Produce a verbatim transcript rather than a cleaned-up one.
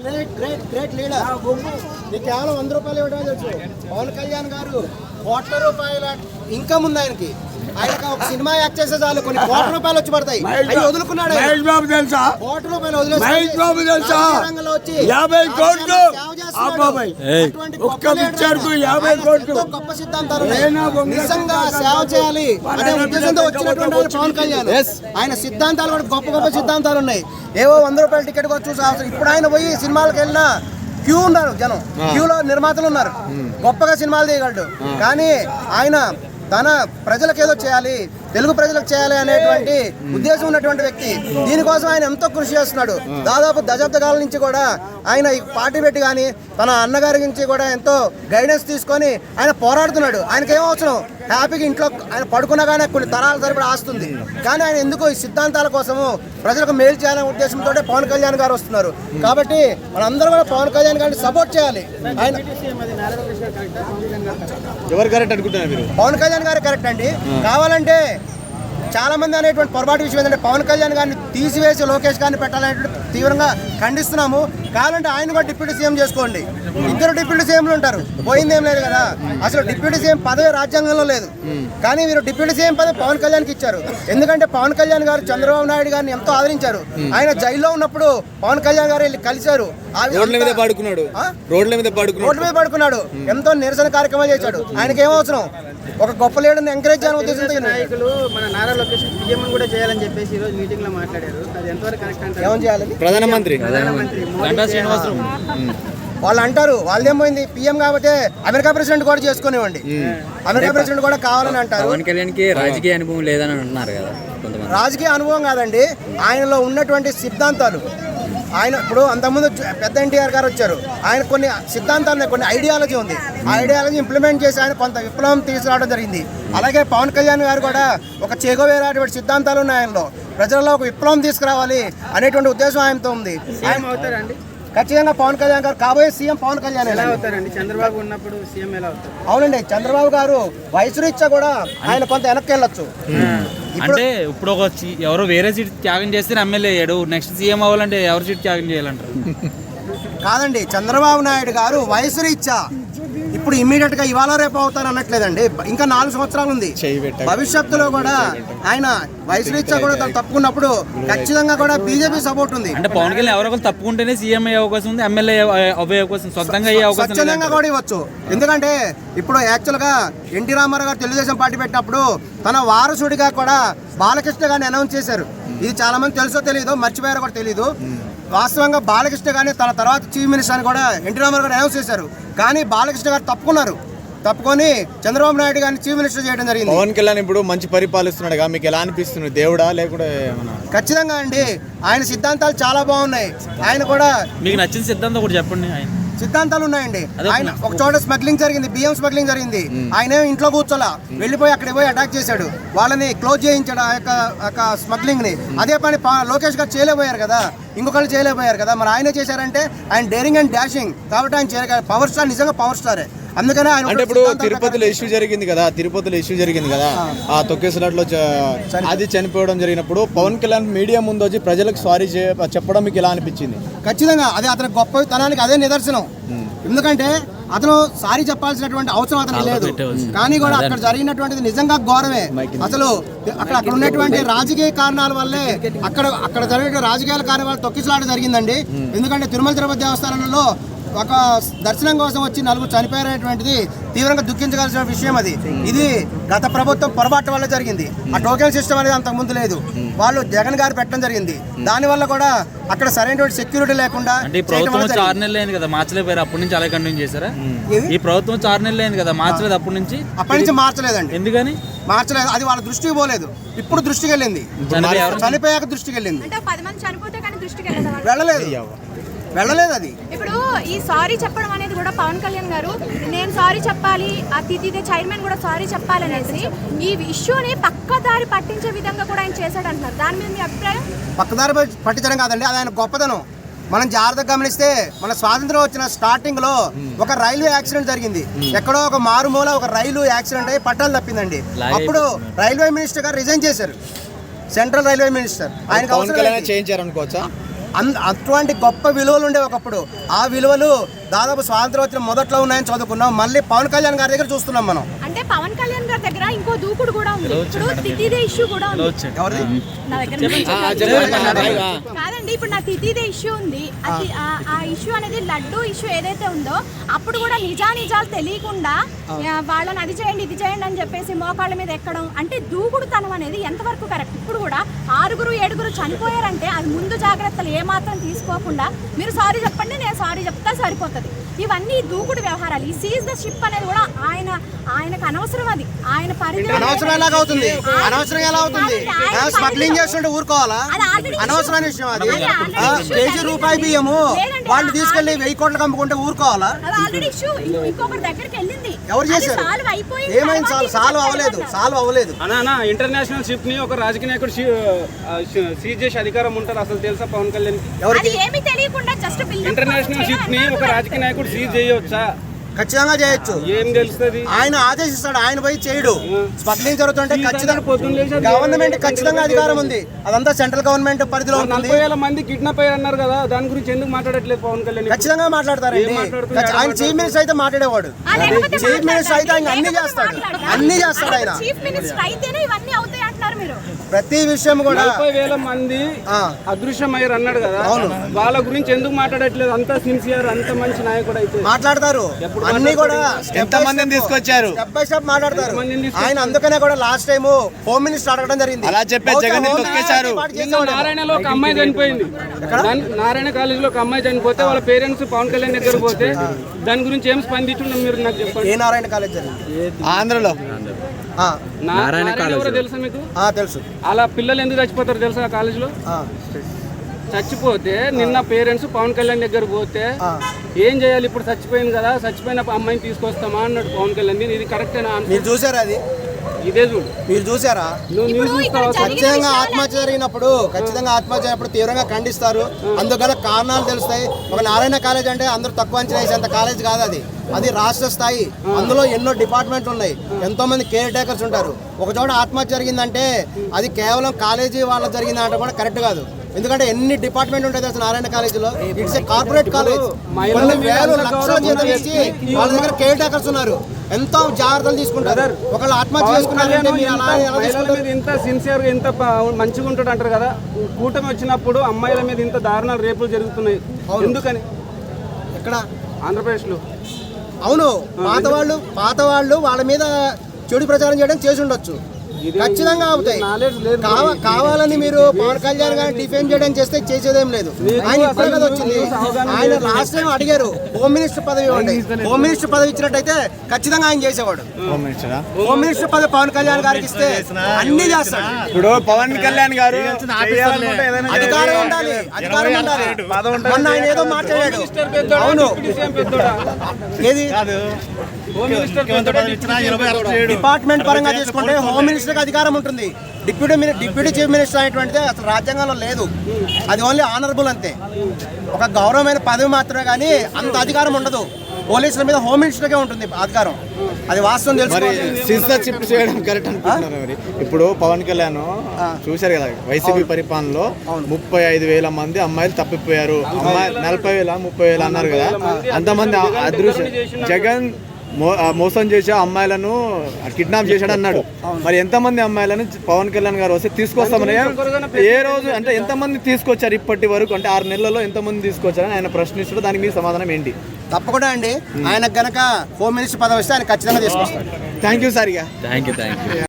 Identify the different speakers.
Speaker 1: Great great great leader. నీకు కేవలం వంద రూపాయలు ఇవ్వడం తెలుసు. పవన్ కళ్యాణ్ గారు కోట్ల రూపాయల ఇన్కమ్ ఉంది ఆయనకి. ఆయనకు ఒక సినిమా యాక్ట్ చేసే చాలు కొన్ని కోట్ల రూపాయలు వచ్చి పడతాయి. అవి వదులుకున్నాడు.
Speaker 2: మహేష్ బాబు తెలుసా?
Speaker 1: కోట్ల రూపాయలు వదిలేసి
Speaker 2: మహేష్ బాబు తెలుసా?
Speaker 1: రంగంలో వచ్చి
Speaker 2: యాభై కోట్లు ఒక్క పిక్చర్కు యాభై కోట్లు.
Speaker 1: గొప్ప సిద్ధాంతాలు నిజంగా సేవ చేయాలి అనే ఉద్దేశంతో వచ్చినటువంటి పవన్ కళ్యాణ్. ఆయన సిద్ధాంతాలు కూడా గొప్ప గొప్ప సిద్ధాంతాలు ఉన్నాయి. ఏవో వంద రూపాయల టికెట్ కూడా చూసే అవసరం. ఇప్పుడు ఆయన పోయి సినిమాలకు వెళ్ళినా క్యూ ఉన్నారు జనం. క్యూలో నిర్మాతలు ఉన్నారు. గొప్పగా సినిమాలు తీయగలడు. కానీ ఆయన తన ప్రజలకు ఏదో చేయాలి, తెలుగు ప్రజలకు చేయాలి అనేటువంటి ఉద్దేశం ఉన్నటువంటి వ్యక్తి. దీనికోసం ఆయన ఎంతో కృషి చేస్తున్నాడు. దాదాపు దశాబ్ద కాలం నుంచి కూడా ఆయన ఈ పార్టీ పెట్టి కానీ తన అన్నగారి నుంచి కూడా ఎంతో గైడెన్స్ తీసుకొని ఆయన పోరాడుతున్నాడు. ఆయనకి ఏం అవసరం, హ్యాపీగా ఇంట్లో ఆయన పడుకున్నా కానీ కొన్ని తరాల సరిపడా ఆస్తుంది. కానీ ఆయన ఎందుకు ఈ సిద్ధాంతాల కోసము ప్రజలకు మేలు చేయాలనే ఉద్దేశంతో పవన్ కళ్యాణ్ గారు వస్తున్నారు. కాబట్టి మనందరూ కూడా పవన్ కళ్యాణ్ గారిని సపోర్ట్ చేయాలి. ఆయన
Speaker 2: ఎవరు కరెక్ట్ అనుకుంటున్నారు మీరు?
Speaker 1: పవన్ కళ్యాణ్ గారు కరెక్ట్ అండి. కావాలంటే చాలా మంది అనేటువంటి పొరపాటు విషయం ఏంటంటే పవన్ కళ్యాణ్ గారిని తీసివేసి లోకేష్ గారిని పెట్టాలనేటువంటి తీవ్రంగా ఖండిస్తున్నాము. కావాలంటే ఆయన కూడా డిప్యూటీ సీఎం చేసుకోండి. ఇద్దరు డిప్యూటీ సీఎంలు ఉంటారు, పోయిందేం లేదు కదా. అసలు డిప్యూటీ సీఎం పదవి రాజ్యాంగంలో లేదు. కానీ మీరు డిప్యూటీ సీఎం పదవి పవన్ కళ్యాణ్కి ఇచ్చారు. ఎందుకంటే పవన్ కళ్యాణ్ గారు చంద్రబాబు నాయుడు గారిని ఎంతో ఆదరించారు. ఆయన జైల్లో ఉన్నప్పుడు పవన్ కళ్యాణ్ గారు వెళ్ళి కలిశారు.
Speaker 2: రోడ్ల మీద పడుకున్నాడు రోడ్ల మీద పడుకున్నాడు
Speaker 1: రోడ్ల మీద పడుకున్నాడు ఎంతో నిరసన కార్యక్రమాలు చేశాడు. ఆయనకి ఏమవసరం, ఒక గొప్ప లీడర్ని ఎంకరేజ్ చేయాలని ఉద్దేశంతో
Speaker 3: నాయకులు మన నారా లోకేష్ సీఎం కూడా చేయాలని చెప్పేసి ఈ రోజు మీటింగ్ లో మాట్లాడారు. అది ఎంతవరకు కరెక్ట్ అంటారు?
Speaker 1: ఏమని చేయాలని
Speaker 2: ప్రధానమంత్రి
Speaker 3: ప్రధానమంత్రి
Speaker 1: వాళ్ళు అంటారు. వాళ్ళేమైంది, పీఎం కాబట్టి అమెరికా ప్రెసిడెంట్ కూడా చేసుకునేవ్వండి. అమెరికా ప్రెసిడెంట్ కూడా కావాలని అంటారు.
Speaker 4: పవన్ కళ్యాణ్ కి రాజకీయ అనుభవం లేదని అంటున్నారు కదా కొంతమంది.
Speaker 1: రాజకీయ అనుభవం కాదండి, ఆయనలో ఉన్నటువంటి సిద్ధాంతాలు. ఆయన ఇప్పుడు అంతకుముందు పెద్ద ఎన్టీఆర్ గారు వచ్చారు. ఆయన కొన్ని సిద్ధాంతాలు, కొన్ని ఐడియాలజీ ఉంది. ఆ ఐడియాలజీ ఇంప్లిమెంట్ చేసి ఆయన కొంత విప్లవం తీసుకురావడం జరిగింది. అలాగే పవన్ కళ్యాణ్ గారు కూడా ఒక చెగోవేరేటువంటి సిద్ధాంతాలు ఉన్నాయి ఆయనలో. ప్రజల్లో ఒక విప్లవం తీసుకురావాలి అనేటువంటి ఉద్దేశం ఆయనతో ఉంది.
Speaker 3: సీఎం అవుతారండి
Speaker 1: ఖచ్చితంగా పవన్ కళ్యాణ్ గారు కాబోయే సీఎం పవన్ కళ్యాణ్
Speaker 3: ఎలా అవుతారండి? చంద్రబాబు ఉన్నప్పుడు సీఎం ఎలా అవుతారు?
Speaker 1: అవునండి, చంద్రబాబు గారు వయసు రీత్యా కూడా ఆయన కొంత వెనక్కి వెళ్ళొచ్చు.
Speaker 5: అంటే ఇప్పుడు ఒక ఎవరో వేరే సీట్ త్యాగం చేస్తే ఎమ్మెల్యే అయ్యాడు, నెక్స్ట్ సీఎం అవ్వాలంటే ఎవరు సీట్ త్యాగం చేయాలంటారు?
Speaker 1: కాదండి, చంద్రబాబు నాయుడు గారు వయసు రీత్యా ఇప్పుడు ఇమ్మీడియట్ గా ఇవాళ రేపు అవుతారు అనట్లేదండి. ఇంకా నాలుగు సంవత్సరాలు ఉంది. భవిష్యత్తులో కూడా ఆయన వయసు రీత్యా కూడా తప్పుకున్నప్పుడు ఖచ్చితంగా కూడా బీజేపీ సపోర్ట్ ఉంది.
Speaker 5: అంటే పవన్ కళ్యాణ్ ఎవరో ఒకరు తప్పుకుంటేనే సీఎం అయ్యే అవకాశం ఉంది, ఎమ్మెల్యే అయ్యే అవకాశం, సొంతంగా అయ్యే అవకాశం
Speaker 1: స్వచ్ఛందంగా కూడా ఇవ్వచ్చు. ఎందుకంటే ఇప్పుడు యాక్చువల్ గా ఎన్టీ రామారావు గారు తెలుగుదేశం పార్టీ పెట్టినప్పుడు తన వారసుడిగా కూడా బాలకృష్ణ గారిని అనౌన్స్ చేశారు. ఇది చాలా మంది తెలుసో తెలియదు, మర్చిపోయారో కూడా తెలియదు. వాస్తవంగా బాలకృష్ణ గారిని తన తర్వాత చీఫ్ మినిస్టర్ అని కూడా ఎన్టీ రామారావు గారు అనౌన్స్ చేశారు. కానీ బాలకృష్ణ గారు తప్పుకున్నారు. తప్పుకొని చంద్రబాబు నాయుడు గారిని చీఫ్ మినిస్టర్ చేయడం జరిగింది.
Speaker 2: పవన్ కళ్యాణ్ ఇప్పుడు మంచి పరిపాలిస్తున్నాడుగా, మీకు ఎలా అనిపిస్తుంది? దేవుడా లేకుంటే?
Speaker 1: ఖచ్చితంగా అండి, ఆయన సిద్ధాంతాలు చాలా బాగున్నాయి. ఆయన కూడా
Speaker 5: మీకు నచ్చిన సిద్ధాంతం కూడా చెప్పండి. ఆయన
Speaker 1: సిద్ధాంతాలు ఉన్నాయండి. ఆయన ఒక చోట స్మగ్లింగ్ జరిగింది, బియ్యం స్మగ్లింగ్ జరిగింది. ఆయన ఇంట్లో కూర్చోలా, వెళ్ళిపోయి అక్కడికి పోయి అటాక్ చేశాడు. వాళ్ళని క్లోజ్ చేయించాడు ఆ యొక్క స్మగ్లింగ్ ని. అదే పని లోకేష్ గారు చేయలేకపోయారు కదా, ఇంకొకళ్ళు చేయలేకపోయారు కదా. మరి ఆయనే చేశారంటే ఆయన డేరింగ్ అండ్ డాషింగ్ కాబట్టి ఆయన చేయగల పవర్ స్టార్, నిజంగా పవర్ స్టారే. అందుకనే ఆయన
Speaker 2: అంటే ఇప్పుడు తిరుపతిలో ఇష్యూ జరిగింది కదా, తిరుపతిలో ఇష్యూ జరిగింది కదా, ఆ తొక్కేసలాట్లో అది చనిపోవడం జరిగినప్పుడు పవన్ కళ్యాణ్ మీడియా ముందు వచ్చి ప్రజలకు సారీ చెప్పడం మీకు ఎలా అనిపించింది?
Speaker 1: ఖచ్చితంగా అదే అతని గొప్పతనానికి అదే నిదర్శనం. ఎందుకంటే అతను సారీ చెప్పాల్సినటువంటి అవసరం అతనికి లేదు. కానీ కూడా అక్కడ జరిగినటువంటిది నిజంగా ఘోరమే. అసలు అక్కడ అక్కడ ఉన్నటువంటి రాజకీయ కారణాల వల్లే అక్కడ అక్కడ జరిగిన రాజకీయాల కారణాల వల్ల తొక్కిసలాట జరిగిందండి. ఎందుకంటే తిరుమల తిరుపతి దేవస్థానంలో ఒక దర్శనం కోసం వచ్చి నలుగురు చనిపోయినటువంటిది తీవ్రంగా దుఃఖించగలసిన విషయం. అది ఇది గత ప్రభుత్వం పొరపాటు వల్ల జరిగింది. ఆ టోకెన్ సిస్టమ్ అనేది అంతకు ముందు లేదు, వాళ్ళు జగన్ గారు పెట్టడం జరిగింది. దాని వల్ల కూడా అక్కడ సరైనటువంటి సెక్యూరిటీ లేకుండా.
Speaker 5: అంటే ఈ ప్రభుత్వం ఆరు నెలలు అయింది కదా, మార్చలేకపోయారు, అప్పటి నుంచి అలాగే కంటిన్యూ చేశారా? ఈ ప్రభుత్వం ఆరు నెలలు అయింది కదా, మార్చలేదు అప్పటి నుంచి?
Speaker 1: అప్పటి నుంచి మార్చలేదండి.
Speaker 5: ఎందుకని
Speaker 1: మార్చలేదు? అది వాళ్ళ దృష్టికి పోలేదు, ఇప్పుడు దృష్టికి వెళ్ళింది. చనిపోయాక దృష్టికి వెళ్ళింది, వెళ్ళలేదు వెళ్ళలేదు అది.
Speaker 6: ఇప్పుడు ఈ సారీ చెప్పడం అనేది కూడా పవన్ కళ్యాణ్ గారు నేను సారీ చెప్పాలి, అతిథి చైర్మన్ కూడా సారీ చెప్పాలనేసి ఈ ఇష్యూని పక్కదారి పట్టించే విధంగా కూడా ఆయన చేశాడు అంటారు. దాని మీద మీ అభిప్రాయం?
Speaker 1: పక్కదారి పట్టించడం కాదండి, అది ఆయన గొప్పతనం. మనం జాగ్రత్తగా గమనిస్తే మన స్వాతంత్రం వచ్చిన స్టార్టింగ్ లో ఒక రైల్వే యాక్సిడెంట్ జరిగింది. ఎక్కడో ఒక మారుమూల ఒక రైలు యాక్సిడెంట్ అయ్యి పట్టాలు తప్పిందండి. అప్పుడు రైల్వే మినిస్టర్ గారు రిజైన్ చేశారు, సెంట్రల్ రైల్వే మినిస్టర్. ఆయన
Speaker 2: చేయించారు అనుకోవచ్చా?
Speaker 1: అన్ అటువంటి గొప్ప విలువలు ఉండేవి ఒకప్పుడు. ఆ విలువలు దాదాపు స్వాతంత్రం వచ్చిన మొదట్లో ఉన్నాయని చదువుకున్నాం. మళ్ళీ పవన్ కళ్యాణ్ గారి దగ్గర చూస్తున్నాం మనం.
Speaker 6: అంటే పవన్ కళ్యాణ్ గారి దగ్గర ఇంకో దూకుడు కూడా ఉంది. ఇప్పుడు తితిదే ఇష్యూ కూడా ఉంది.
Speaker 1: ఎవరిది?
Speaker 6: నా దగ్గర కాదండి, ఇప్పుడు నా తితిదే ఇష్యూ ఉంది. అది ఆ- ఆ ఇష్యూ అనేది లడ్డు ఇష్యూ ఏదైతే ఉందో అప్పుడు కూడా నిజా నిజాలు తెలియకుండా ఆ, వాళ్ళని అది చేయండి ఇది చేయండి అని చెప్పేసి మోకాళ్ళ మీద ఎక్కడం అంటే దూకుడుతనం అనేది ఎంతవరకు కరెక్ట్? ఇప్పుడు కూడా ఆరుగురు ఏడుగురు చనిపోయారంటే అది ముందు జాగ్రత్తలు ఏమాత్రం తీసుకోకుండా మీరు సారీ చెప్పండి నేను సారీ చెప్తా సరిపోతుంది. ఇవన్నీ దూకుడు వ్యవహారాలు. ఈ సీజ్ ద షిప్ అనేది కూడా ఆయన ఆయనకు అనవసరం. అది ఆయన పరిధి
Speaker 1: అనవసరం ఎలాగ అవుతుంది? అనవసరం ఎలా అవుతుంది? స్మగ్లింగ్ చేస్తుంటే ఊరుకోవాలా? అనవసరమైన విషయం అది. ఆ, కేజీ రూపాయి బియ్యము వాళ్ళు తీసుకెళ్లి వెయ్యి కోట్లకు అమ్ముకుంటే ఊరుకోవాలా?
Speaker 6: ఆల్రెడీ ఇష్యూ ఇంకొకరి దగ్గరికి వెళ్ళింది.
Speaker 1: ఎవరు చేశారు?
Speaker 6: సాల్వ్ అయిపోయింది.
Speaker 1: ఏమైంది? సాల్వ్ సాల్వ్ అవ్వలేదు. సాల్వ్ అవ్వలేదు.
Speaker 7: అన్నా ఇంటర్నేషనల్ షిప్ ని ఒక రాజకీయ నాయకుడు సీజ్ చేసే అధికారం ఉంటారు అసలు తెలుసా పవన్ కళ్యాణ్ కి?
Speaker 6: అది ఏమీ తెలియకుండా జస్ట్
Speaker 7: ఇంటర్నేషనల్ షిప్ ని ఒక రాజకీయ నాయకుడు సీజ్ చేయవచ్చా?
Speaker 1: ఖచ్చితంగా చేయొచ్చు.
Speaker 7: ఏం తెలుస్తుంది?
Speaker 1: ఆయన ఆదేశిస్తాడు, ఆయన పోయి చేయడు. స్మగ్లింగ్ జరుగుతుంటే ఖచ్చితంగా
Speaker 7: పొద్దున్న లేచి
Speaker 1: గవర్నమెంట్ ఖచ్చితంగా అధికారం ఉంది. అదంతా సెంట్రల్ గవర్నమెంట్ పరిధిలో ఉంటుంది.
Speaker 7: నలభై వేల మంది కిడ్నాప్ అయ్యారు అన్నారు కదా, దాని గురించి ఎందుకు మాట్లాడట్లేదు పవన్ కళ్యాణ్?
Speaker 1: ఖచ్చితంగా మాట్లాడతారండి. ఆయన చీఫ్ మినిస్టర్ అయితే మాట్లాడేవాడు. చీఫ్ మినిస్టర్ అయితే ఆయన అన్ని చేస్తాడు. అన్ని చేస్తాడు ఆయన.
Speaker 6: చీఫ్ మినిస్టర్ అయితేనే ఇవన్నీ అవుతాయి అంటున్నారు మీరు.
Speaker 1: ప్రతి విషయం కూడా
Speaker 7: నలభై వేల మంది అదృశ్యం అయ్యారు అన్నాడు కదా, వాళ్ళ గురించి ఎందుకు మాట్లాడట్లేదు? అంత సిన్సియర్ అంత మంచి నాయకుడు అయితే
Speaker 1: మాట్లాడతారు. అన్ని కూడా
Speaker 2: ఎంత మందిని తీసుకొచ్చారు?
Speaker 1: స్టెప్ బై స్టెప్ మాట్లాడతారు ఆయన. అందుకనే కూడా లాస్ట్ టైం హోమ్ మినిస్టర్ అడగడం జరిగింది.
Speaker 2: అలా చెప్పే జగన్ ని తొక్కేశారు.
Speaker 7: నారాయణలో ఒక అమ్మాయి చనిపోయింది. నారాయణ కాలేజ్ లో ఒక అమ్మాయి చనిపోతే వాళ్ళ పేరెంట్స్ పవన్ కళ్యాణ్ దగ్గర పోతే దాని గురించి ఏం స్పందించున్నాం మీరు నాకు చెప్పండి.
Speaker 1: ఏ నారాయణ కాలేజ్ జరిగింది?
Speaker 2: ఆంధ్రలో
Speaker 1: ఆ,
Speaker 7: నారాయణ ఎవరో తెలుసా మీకు?
Speaker 1: ఆ, తెలుసు.
Speaker 7: అలా పిల్లలు ఎందుకు చచ్చిపోతారు తెలుసా ఆ కాలేజ్ లో?
Speaker 1: ఆ,
Speaker 7: చచ్చిపోతే నిన్న పేరెంట్స్ పవన్ కళ్యాణ్ దగ్గర పోతే ఏం చేయాలి? ఇప్పుడు చచ్చిపోయింది కదా, చచ్చిపోయిన అమ్మాయిని తీసుకొస్తామా అన్నాడు పవన్ కళ్యాణ్. ఇది కరెక్టేనా?
Speaker 1: మీరు చూసారా అది?
Speaker 7: ఇదే చూడు,
Speaker 1: మీరు చూసారా?
Speaker 7: నువ్వు న్యూస్ చూస్తావా?
Speaker 1: ఖచ్చితంగా ఆత్మహత్య జరిగినప్పుడు ఖచ్చితంగా ఆత్మహత్య జరిగినప్పుడు తీవ్రంగా ఖండిస్తారు. అందుకని కారణాలు తెలుస్తాయి. ఒక నారాయణ కాలేజ్ అంటే అందరూ తక్కువ అంచనా వేసేంత కాలేజ్ కాదు అది. అది రాష్ట్ర స్థాయి. అందులో ఎన్నో డిపార్ట్మెంట్లు ఉన్నాయి, ఎంతో మంది కేర్ టేకర్స్ ఉంటారు. ఒక చోట ఆత్మహత్య జరిగిందంటే అది కేవలం కాలేజీ వాళ్ళ జరిగిందంటే కూడా కరెక్ట్ కాదు. ఎందుకంటే ఎన్ని డిపార్ట్మెంట్ ఉంటాయి తెలుసు నారాయణ కాలేజీలో. It's a corporate college. కొన్ని వేలు లక్షల జీతం ఇచ్చి వాళ్ళ దగ్గర కేర్ టేకర్స్ ఉన్నారు. ఎంతో జాగ్రత్తలు తీసుకుంటారు. ఒకళ్ళు ఆత్మహత్య చేసుకున్నారంటే మీరు అలా ఎలా తీసుకుంటారు?
Speaker 7: ఇంత సిన్సియర్ గా ఇంత ప- మంచిగా ఉంటాడు అంటారు కదా, కూటమి వచ్చినప్పుడు అమ్మాయిల మీద ఇంత దారుణాలు రేపులు జరుగుతున్నాయి ఎందుకని?
Speaker 1: ఎక్కడ?
Speaker 7: ఆంధ్రప్రదేశ్ లో.
Speaker 1: అవును, పాత వాళ్ళు పాత వాళ్ళు వాళ్ళ మీద చెడు ప్రచారం చేయడం చేసి ఉండొచ్చు. ఖచ్చితంగా అవుతాయి. కావ- కావాలని మీరు పవన్ కళ్యాణ్ గారిని డిఫెండ్ చేయడం చేస్తే చేసేదేం లేదు. ఆయన ఇప్పుడే కదా వచ్చింది. ఆయన లాస్ట్ టైం అడిగారు హోమ్ మినిస్టర్ పదవి ఇవ్వండి. హోమ్ మినిస్టర్ పదవి ఇచ్చినట్టయితే ఖచ్చితంగా ఆయన చేసేవాడు.
Speaker 2: హోమ్ మినిస్టరా?
Speaker 1: హోమ్ మినిస్టర్ పదవి పవన్ కళ్యాణ్ గారికి ఇస్తే అన్ని చేస్తాడు.
Speaker 2: ఇప్పుడు పవన్ కళ్యాణ్ గారు
Speaker 1: అధికారం ఉండాలి, అధికారం ఉండాలి. మొన్న ఆయన ఏదో మాట్లాడాడు. అవును, ఏది డిపార్ట్మెంట్ పరంగా తీసుకుంటే హోమ్ మినిస్టర్కి అధికారం ఉంటుంది. Deputy mini deputy chief minister అనేటువంటిది అసలు రాజ్యాంగంలో లేదు. అది ఓన్లీ ఆనరబుల్ అంతే, ఒక గౌరవమైన పదవి మాత్రమే, కానీ అంత అధికారం ఉండదు. పోలీసుల మీద హోమ్ మినిస్టర్కే ఉంటుంది అధికారం. అది వాస్తవం
Speaker 2: మరి
Speaker 1: తెలుసుకోవాలి.
Speaker 2: సిస్తా చిప్ చేయడం కరెక్ట్ అనుకుంటున్నారు మరి? ఇప్పుడు పవన్ కళ్యాణ్ చూశారు కదా, వైసీపీ పరిపాలనలో ముప్పై ఐదు వేల మంది అమ్మాయిలు తప్పిపోయారు. అమ్మాయి నలభై వేల ముప్పై వేల అన్నారు కదా, అంతమంది అదృశ్యం. జగన్ మో మోసం చేసే అమ్మాయిలను కిడ్నాప్ చేశాడు అన్నాడు. మరి ఎంతమంది అమ్మాయిలను పవన్ కళ్యాణ్ గారు వస్తే తీసుకొస్తామని ఏ రోజు అంటే ఎంతమంది తీసుకొచ్చారు ఇప్పటి వరకు? అంటే ఆరు నెలల్లో ఎంతమంది తీసుకొచ్చారని ఆయన ప్రశ్నిస్తారు. దానికి మీ సమాధానం ఏంటి?
Speaker 1: తప్పకుండా అండి, ఆయనకు గనక హోమ్ మినిస్టర్ పదవి వస్తే ఆయన ఖచ్చితంగా తీసుకొస్తాడు.
Speaker 2: Thank you sir. ఇక
Speaker 4: థ్యాంక్ యూ థ్యాంక్ యూ